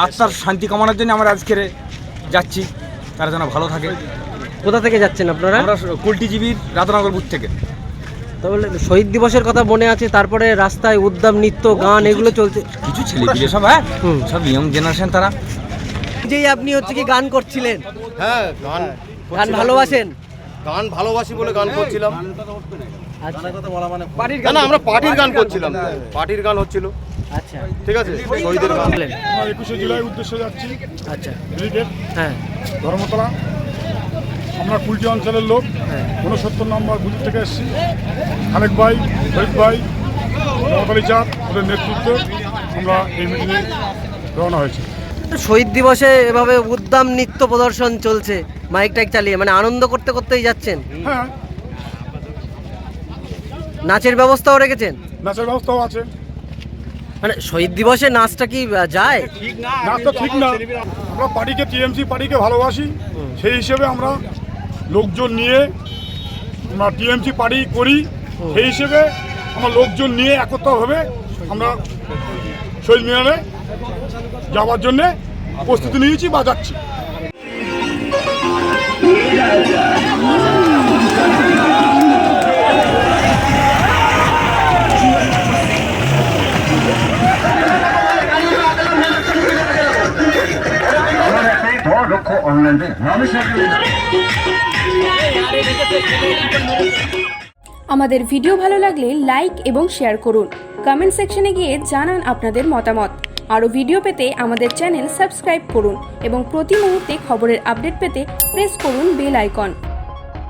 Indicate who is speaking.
Speaker 1: আত্মার শান্তি কামনার জন্য আমরা আজকের যাচ্ছি, তারা যেন ভালো থাকে।
Speaker 2: কোথা থেকে যাচ্ছেন আপনারা?
Speaker 1: আমরা কুলটিজীবীর রাধানগর বুথ থেকে।
Speaker 2: তাহলে শহীদ দিবসের কথা মনে আছে, তারপরে রাস্তায় উদ্যম নৃত্য গান এগুলো চলছে,
Speaker 1: কিছু ছেলেপিলে সব, হ্যাঁ সব ইয়ং জেনারেশন তারা।
Speaker 2: যেই আপনি হচ্ছে কি গান করছিলেন?
Speaker 3: হ্যাঁ,
Speaker 2: গান ভালোবাসেন?
Speaker 3: গান ভালোবাসি বলে গান করছিলাম।
Speaker 2: আচ্ছা,
Speaker 3: না, আমরা পার্টির গান করছিলাম, পার্টির গান হচ্ছিল।
Speaker 2: আচ্ছা,
Speaker 3: ঠিক আছে, শহীদের গান।
Speaker 2: বলেন।
Speaker 4: আমরা 21শে জুলাই উদ্দেশ্যে যাচ্ছি।
Speaker 2: আচ্ছা,
Speaker 4: ব্রিগেড
Speaker 2: হ্যাঁ
Speaker 4: ধর্মতলা। আমরা কুলটি অঞ্চলের লোক,
Speaker 2: হ্যাঁ
Speaker 4: 69 নম্বর বুথ থেকে এসেছি। খালেক ভাই, শহীদ ভাই, মমতালি চাঁদ ওদের নেতৃত্বে আমরা এই মিটিংয়ে রওনা হয়েছি।
Speaker 2: শহীদ দিবসে এভাবে উদ্যম নৃত্য প্রদর্শন চলছে মাইক টাইক চালিয়ে, মানে আনন্দ করতে করতেই যাচ্ছেন?
Speaker 4: হ্যাঁ,
Speaker 2: নাচের ব্যবস্থাও রেখেছেন?
Speaker 4: নাচের ব্যবস্থাও আছে।
Speaker 2: মানে শহীদ দিবসে নাচটা কি যায়?
Speaker 4: নাচ তো ঠিক না, আমরা পার্টিকে, টিএমসি পার্টিকে ভালোবাসি, সেই হিসেবে আমরা লোকজন নিয়ে আমরা টিএমসি পার্টি করি, সেই হিসেবে আমরা লোকজন নিয়ে একত্রভাবে আমরা শহীদ মিনারে যাওয়ার জন্যে প্রস্তুতি নিয়েছি বা যাচ্ছি।
Speaker 5: আমাদের ভিডিও ভালো লাগলে লাইক এবং শেয়ার করুন। কমেন্ট সেকশনে গিয়ে জানান আপনাদের মতামত। আরও ভিডিও পেতে আমাদের চ্যানেল সাবস্ক্রাইব করুন এবং প্রতি মুহূর্তে খবরের আপডেট পেতে প্রেস করুন বেল আইকন।